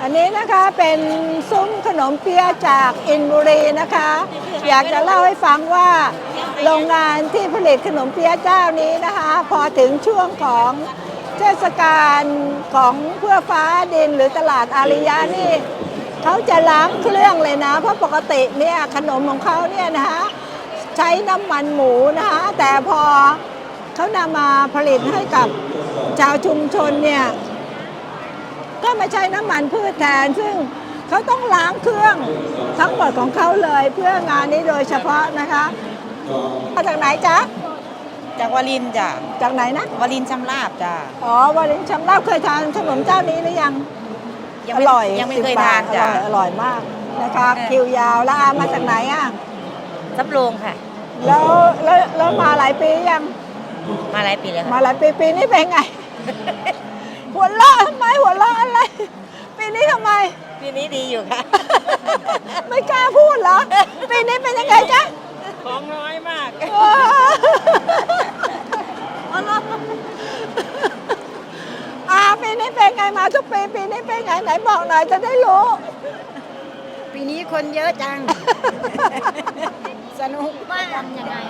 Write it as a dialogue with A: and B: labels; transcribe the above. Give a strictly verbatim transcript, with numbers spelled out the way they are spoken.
A: อันนี้นะคะเป็นซุ้มขนมเปี๊ยะจากอินบุรีนะคะ อยากจะเล่าให้ฟังว่าโรงงานที่ผลิตขนมเปี๊ยะเจ้านี้นะคะ พอถึงช่วงของเทศกาลของเพื่อฟ้าดินหรือตลาดอาริยะนี่เขาจะล้างเครื่องเลยนะ เพราะปกติเนี่ยขนมของเขาเนี่ยนะคะใช้น้ำมันหมูนะคะแต่พอเขานำมาผลิตให้กับชาวชุมชนเนี่ยก็มาใช้น้ำมันพืชแทนซึ่งเขาต้องล้างเครื่องทั้งหมดของเขาเลยเพื่องานนี้โดยเฉพาะนะคะมาจากไหนจ๊ะ
B: จากวารินจ้ะ
A: จากไหนนะ
B: วารินชำราบจ้ะ
A: อ๋อวารินชำราบเคยทานขนมเจ้านี้หรือยังอร่อย
B: ยังไม่เคยทานจ้ะ
A: อร่อยมากนะคะคิวยาวแล้วอามาจากไหนอ่ะ
B: สำโรงค่ะ
A: แล้วแล้วแล้วมาหลายปียัง
B: มาหลายปีแล้ว
A: มาหลายปีปีนี้เป็นไงหัวเราะทำไมหัวเราะอะไรปีนี้ทำไม
B: ปีนี้ดีอยู่ค่ะ
A: ไม่กล้าพูดเหรอปีนี้เป็นยังไงจ๊ะ
B: ของน้อยมาก
A: อาปีนี้เป็นไงมาทุกปีปีนี้เป็นไงไหนบอกหน่อยจะได้รู้
B: ปีนี้คนเยอะจังสนุกมากยังไง